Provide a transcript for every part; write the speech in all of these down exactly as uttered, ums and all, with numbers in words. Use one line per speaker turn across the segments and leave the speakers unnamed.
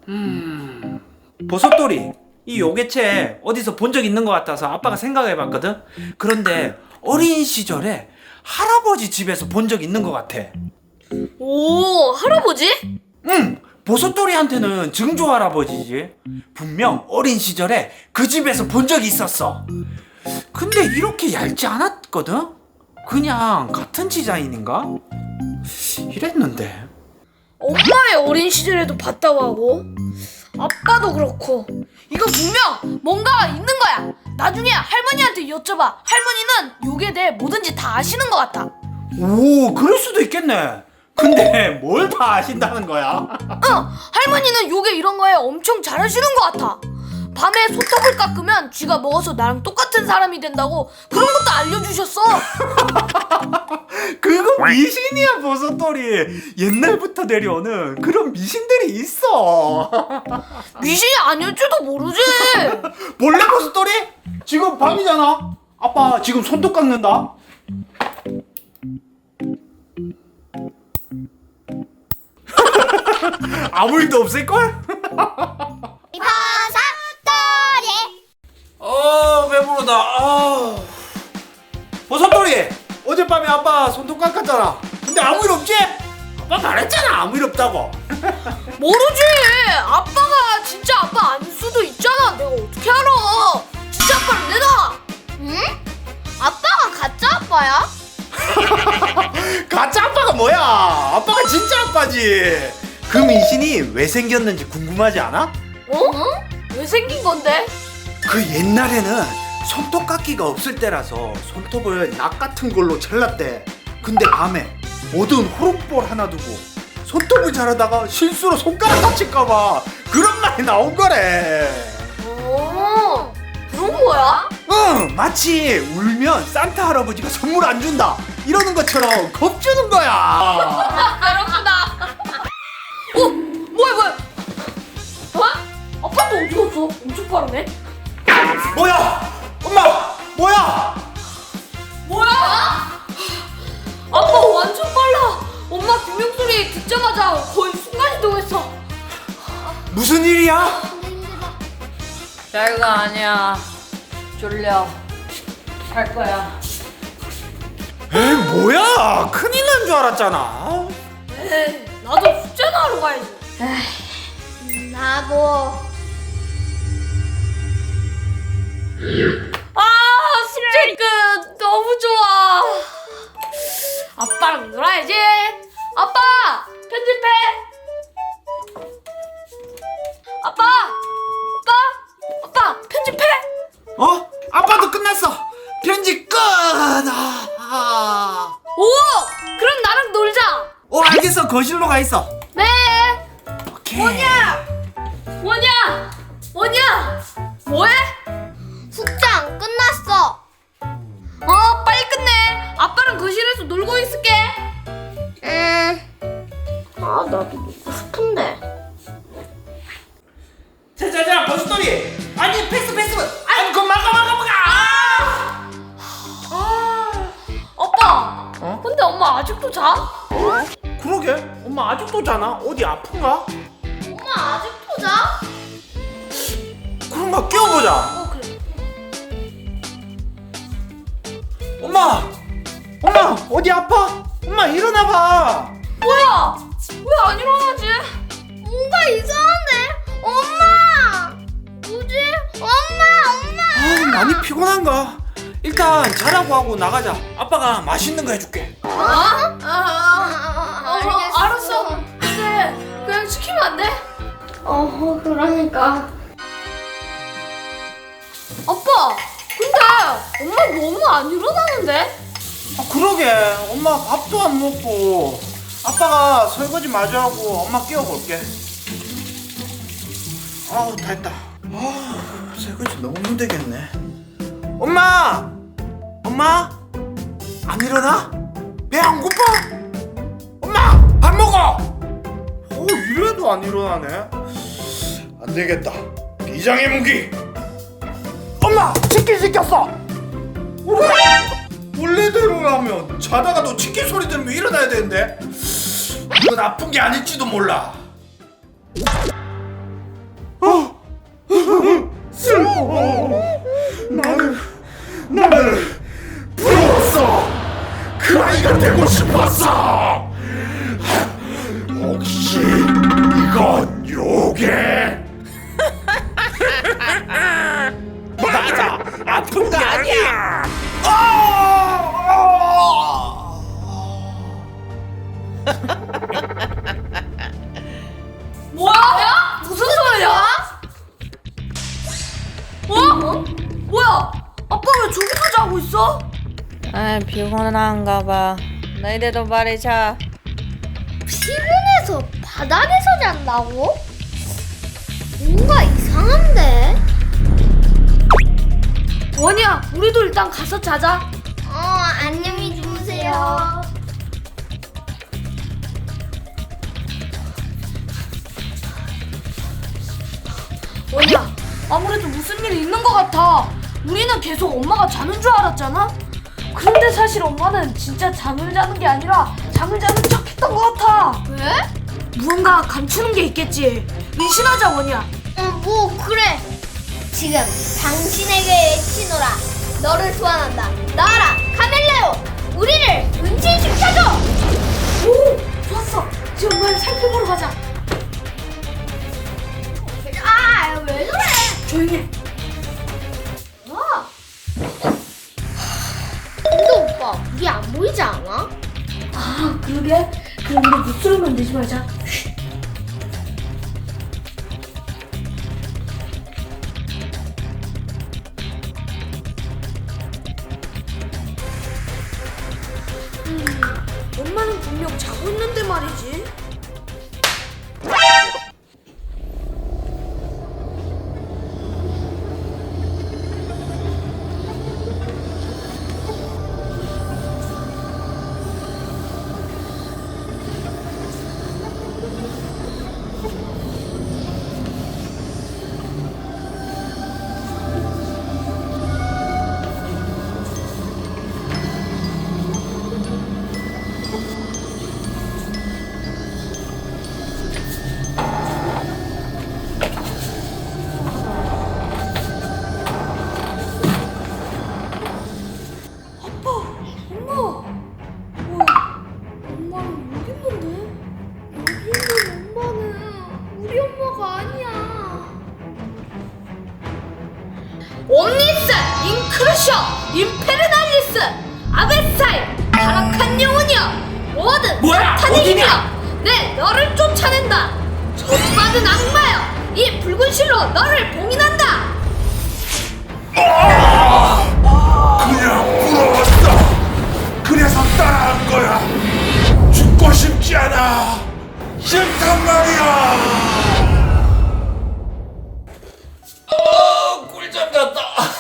음... 버섯돌이, 이 요괴체 어디서 본 적 있는 것 같아서 아빠가 생각해봤거든? 그런데 어린 시절에 할아버지 집에서 본 적 있는 것 같아.
오, 할아버지?
응! 버섯돌이한테는 증조 할아버지지. 분명 어린 시절에 그 집에서 본 적이 있었어. 근데 이렇게 얇지 않았거든? 그냥 같은 디자인인가? 이랬는데.
엄마의 어린 시절에도 봤다고 하고 아빠도 그렇고 이거 분명 뭔가 있는 거야. 나중에 할머니한테 여쭤봐. 할머니는 요게 대해 뭐든지 다 아시는 것 같아.
오, 그럴 수도 있겠네. 근데 뭘 다 아신다는 거야?
응, 할머니는 요게 이런 거에 엄청 잘하시는 것 같아. 밤에 소떡을 깎으면 쥐가 먹어서 나랑 똑같은 사람이 된다고 그런 것도 알려주셨어.
그거 미신이야, 버섯돌이. 옛날부터 내려오는 그런 미신들이 있어.
미신이 아닐지도 모르지.
몰래, 버섯돌이? 지금 밤이잖아. 아빠 지금 손톱 깎는다. 아무 일도 없을걸?
버섯돌이
어, 배부르다. 아. 버섯돌이, 어젯밤에 아빠 손톱 깎았잖아. 근데 아무 일 없지? 아빠 말했잖아, 아무 일 없다고.
모르지. 아빠가 진짜 아빠 아닐 수도 있잖아. 내가 어떻게 알아. 진짜 아빠는 내놔.
응? 아빠가 가짜 아빠야?
가짜 아빠가 뭐야? 아빠가 진짜 아빠지. 그 미신이 왜 생겼는지 궁금하지 않아?
어? 왜 생긴 건데?
그 옛날에는 손톱 깎기가 없을 때라서 손톱을 낙 같은 걸로 잘랐대. 근데 밤에 어두운 호롱볼 하나 두고 손톱을 자르다가 실수로 손가락 다칠까봐 그런 말이 나온 거래.
어, 그런 거야?
응, 마치 울면 산타 할아버지가 선물 안 준다 이러는 것처럼 겁주는 거야.
그렇구나. 어? 뭐야 뭐야? 어? 아빠도 어디 갔어? 엄청 빠르네.
뭐야? 엄마! 뭐야?
뭐야? 아빠 완전 빨라. 엄마 비명 소리 듣자마자 거의 순간 이동했어.
무슨 일이야?
별거 아니야. 졸려. 갈 거야.
에이, 뭐야? 큰일 난 줄 알았잖아.
에이, 나도 숙제나 하러 가야지.
나도
아, 숙제 끝. 너무 좋아. 아빠랑 놀아야지. 아빠, 편집해. 아빠, 아빠, 아빠, 편집해.
어? 아빠도 끝났어. 편집 끝. 아.
오, 그럼 나랑 놀자.
어, 알겠어. 거실로 가 있어.
네.
오케이.
뭐냐? 뭐냐? 뭐냐? 뭐해?
숙제 안 끝났어.
어, 빨리 끝내. 아빠랑 거실에서 놀고 있을게.
음, 아 나도 놀고 싶은데.
자자자, 버섯돌이. 아니, 패스 패스. 아니, 그거 막아 막아 막아.
아, 아빠.
어?
근데 엄마 아직도 자?
그러게. 엄마 아직도 자나? 어디 아픈가?
엄마 아직도 자?
그런가 깨워보자.
어, 그래.
엄마. 엄마 어디 아파? 엄마 일어나봐.
뭐야? 왜 안 일어나지?
뭔가 이상한데? 엄마! 뭐지? 엄마, 엄마!
아, 많이 피곤한가? 일단 자라고 하고 나가자. 아빠가 맛있는 거 해줄게.
어?
아,
어,
알겠어.
알았어. 근데 그냥 시키면 안 돼?
어, 그러니까.
아빠, 근데 엄마 너무 안 일어나는데?
아, 그러게. 엄마 밥도 안 먹고. 아빠가 설거지 마저 하고 엄마 깨워볼게. 아우, 다 했다. 아, 설거지 너무 힘들겠네. 엄마! 엄마? 안 일어나? 배 안 고파? 엄마! 밥 먹어! 어, 이래도 안 일어나네. 안 되겠다. 비장의 무기! 엄마! 치킨 시켰어! 원래대로라면 자다가도 치킨 소리 들으면 일어나야 되는데 이건 아픈 게 아닐지도 몰라.
나는 나는 부러웠어. 그 아이가 되고 싶었어. 혹시 이건 요괴? 맞아, 아픈 거 아니야.
뭐야? 무슨 소리야? 어? 뭐야? 아빠 왜 저기서 자고 있어?
아, 피곤한가 봐. 너희들도 빨리 자.
피곤해서 바닥에서 잔다고? 뭔가 이상한데?
원이야, 우리도 일단 가서 자자.
어, 안녕히 주무세요.
원이야, 아무래도 무슨 일이 있는 것 같아. 우리는 계속 엄마가 자는 줄 알았잖아. 그런데 사실 엄마는 진짜 잠을 자는 게 아니라 잠을 자는 척했던 것 같아.
왜?
무언가 감추는 게 있겠지. 의심하자, 원이야.
어, 뭐 그래. 지금 당신에게 외치노라. 너를 소환한다. 나와라, 카멜레오. 우리를 분신시켜줘.
오, 좋았어. 이제 엄마를 살펴보러 가자.
아, 왜 저래?
조용히 해.
와. 근데 오빠, 우리 안 보이지 않아?
아, 그러게. 그럼 우리 목소리만 내지 말자. 음, 엄마는 분명 자고 있는데 말이지. 엄마! 뭐야? 엄마는 여기 있는데?
여기 있는 엄마는 우리 엄마가 아니야.
옴니스! 인크루셔! 임페르날리스! 아베사이! 타락한 영혼이여! 모든
뭐야?
사탄의
어디냐?
힘이여! 내 너를 쫓아낸다! 적받은 악마여! 이 붉은 실로 너를 봉인한다!
그냥 부러웠어. 그래서 따라한 거야. 죽고 싶지 않아. 싫단 말이야. 어, 꿀잠 잤다.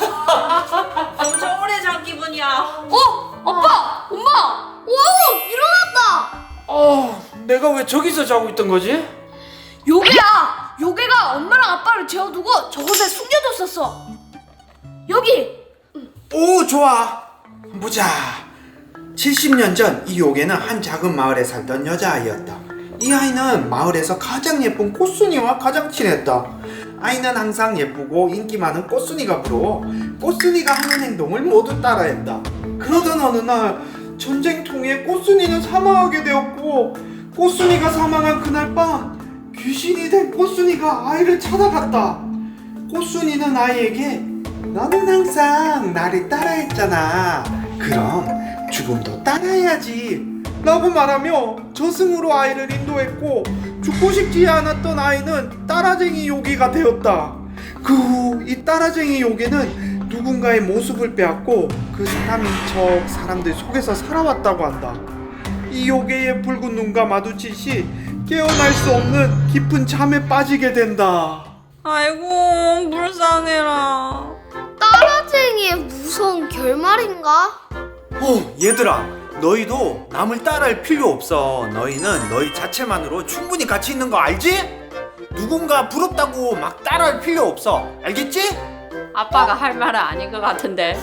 엄청 오래 잔 기분이야.
어? 아빠! 엄마!
오, 일어났다.
어, 내가 왜 저기서 자고 있던 거지?
요괴야! 요괴가 엄마랑 아빠를 재워두고 저곳에 숨겨뒀었어! 여기!
오, 좋아. 보자. 칠십 년 전 이 요괴는 한 작은 마을에 살던 여자아이였다. 이 아이는 마을에서 가장 예쁜 꽃순이와 가장 친했다. 아이는 항상 예쁘고 인기 많은 꽃순이가 부러워 꽃순이가 하는 행동을 모두 따라했다. 그러던 어느 날 전쟁통에 꽃순이는 사망하게 되었고, 꽃순이가 사망한 그날 밤 귀신이 된 꽃순이가 아이를 찾아갔다. 꽃순이는 아이에게 너는 항상 나를 따라했잖아. 그럼 죽음도 따라해야지 라고 말하며 저승으로 아이를 인도했고, 죽고 싶지 않았던 아이는 따라쟁이 요괴가 되었다. 그 후 이 따라쟁이 요괴는 누군가의 모습을 빼앗고 그 사람인 척 사람들 속에서 살아왔다고 한다. 이 요괴의 붉은 눈과 마주칠 시 깨어날 수 없는 깊은 잠에 빠지게 된다.
아이고, 불쌍해라.
따라쟁이의 무서운 결말인가?
어, 얘들아, 너희도 남을 따라할 필요 없어. 너희는 너희 자체만으로 충분히 가치 있는 거 알지? 누군가 부럽다고 막 따라할 필요 없어. 알겠지?
아빠가 할 말은 아닌 것 같은데.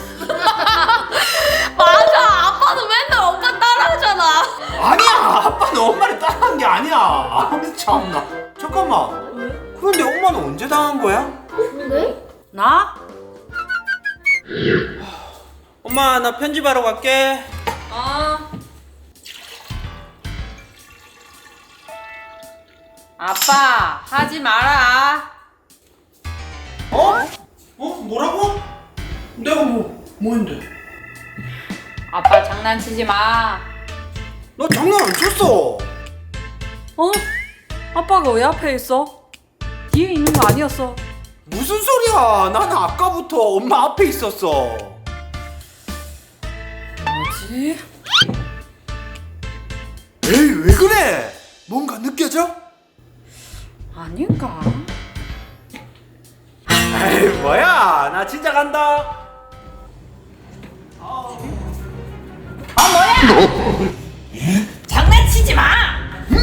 맞아! 아빠도 맨날 엄마 따라하잖아!
아니야, 아빠는 엄마를 따라한 게 아니야. 아, 참나. 잠깐만. 그런데 엄마는 언제 당한 거야?
그래?
나?
엄마 나 편집하러 갈게.
어. 아빠 하지 마라.
어? 어? 뭐라고? 내가 뭐 뭐인데?
아빠 장난치지 마.
너 장난 안 쳤어.
어? 아빠가 왜 앞에 있어? 뒤에 있는 거 아니었어?
무슨 소리야? 나는 아까부터 엄마 앞에 있었어.
뭐지?
에이, 왜 그래? 뭔가 느껴져?
아닌가?
에이, 뭐야? 나 진짜 간다.
장난치지 마.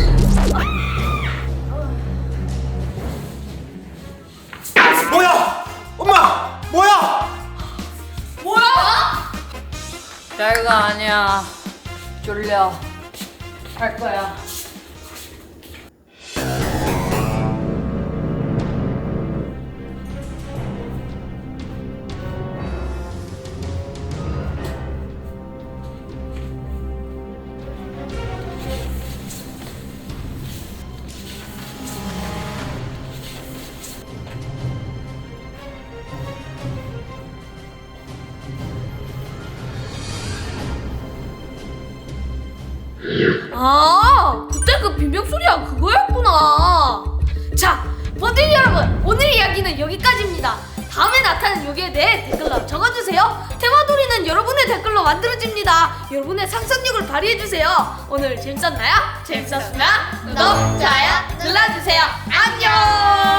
뭐야? 엄마, 뭐야?
별거 아니야. 졸려. 갈 거야.
아, 그때 그 비명 소리가 그거였구나. 자, 버들 여러분, 오늘 이야기는 여기까지입니다. 다음에 나타난 요기에 대해 댓글로 적어주세요. 테마돌이는 여러분의 댓글로 만들어집니다. 여러분의 상상력을 발휘해주세요. 오늘 재밌었나요? 재밌었으면 구독, 좋아요 눌러주세요. 안녕.